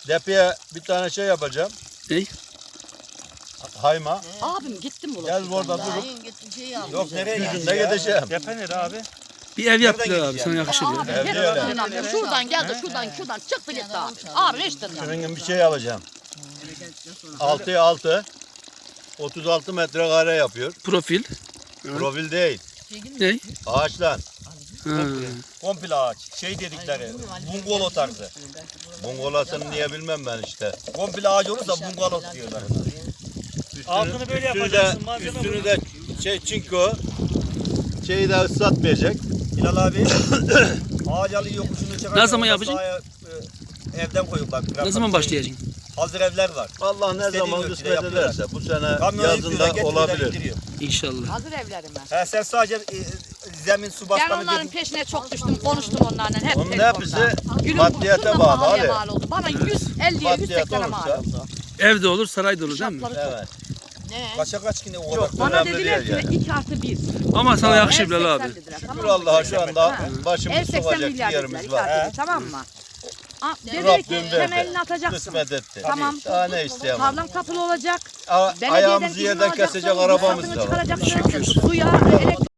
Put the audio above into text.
Depeye bir tane şey yapacağım. Ne? Hayma. Abim gittim bu. Gel orada durup. Yok nereye Yüzünde gideceğim. Depe nere abi? Bir ev yaptılar abi sana yakışır ya. Abi Evde hiç öyle. dinlemiyor. Şuradan geldi şuradan çıktı gitti abi. Abi hiç dinlemiyor. Şunun gibi bir şey alacağım. 6'ya 6. 36 metrekare yapıyor. Profil. Profil değil. Ne? Ağaçtan. Ha. Komple ağaç. Şey dedikleri. Bungalo tarzı. Bungolasını niye bilmem ben işte. Komple ağaç olursa bungalo diyorlar. Altını böyle yapacaksın. Malzeme Üstünü de çinko. Şeyi de ıslatmayacak. Hilal abi. Ağaç alı yokuşunu çıkar. Ne zaman yapacaksın? Evden koyuyorlar. Ne zaman başlayacaksın? Hazır evler var. Allah ne İstediğin zaman ölçüde kısmet yapıyorlar. ederse bu sene Kamyona yazında yüklüyorlar, getiriyorlar, olabilir. indiriyor. İnşallah. Hazır evlerime. He sen sadece zemin su Ben basmanı onların dedin. peşine çok düştüm, konuştum onlarla hep Onun telefonda. hepsi Günün maddiyata kurşunla bağlı pahalıya abi. mal oldu. Bana 150'ye Maddiyat 180'e mal olursa- oldu. Evde olur, sarayda olur değil mi? Şartları çok. Evet. Kaça kaç yine o Yok, kadar. Bana önemli dediler değil ki yani. 2+1. Ama sana yakışır Bilal abi. Şükür Allah'a şu anda Ev başımız 80 sokacak milyar bir dediler, yerimiz 2+1, var. tamam mı? Dedi ki Rabbim temelini verdi. atacaksın. Kısmet etti. Tamam. Daha ne isteyemem. Tarlam kapılı olacak. Ayağımızı Belediyeden izin yerden alacaksın, kesecek arabamız ruhsatını da var. çıkaracaksın. Suya, elektrik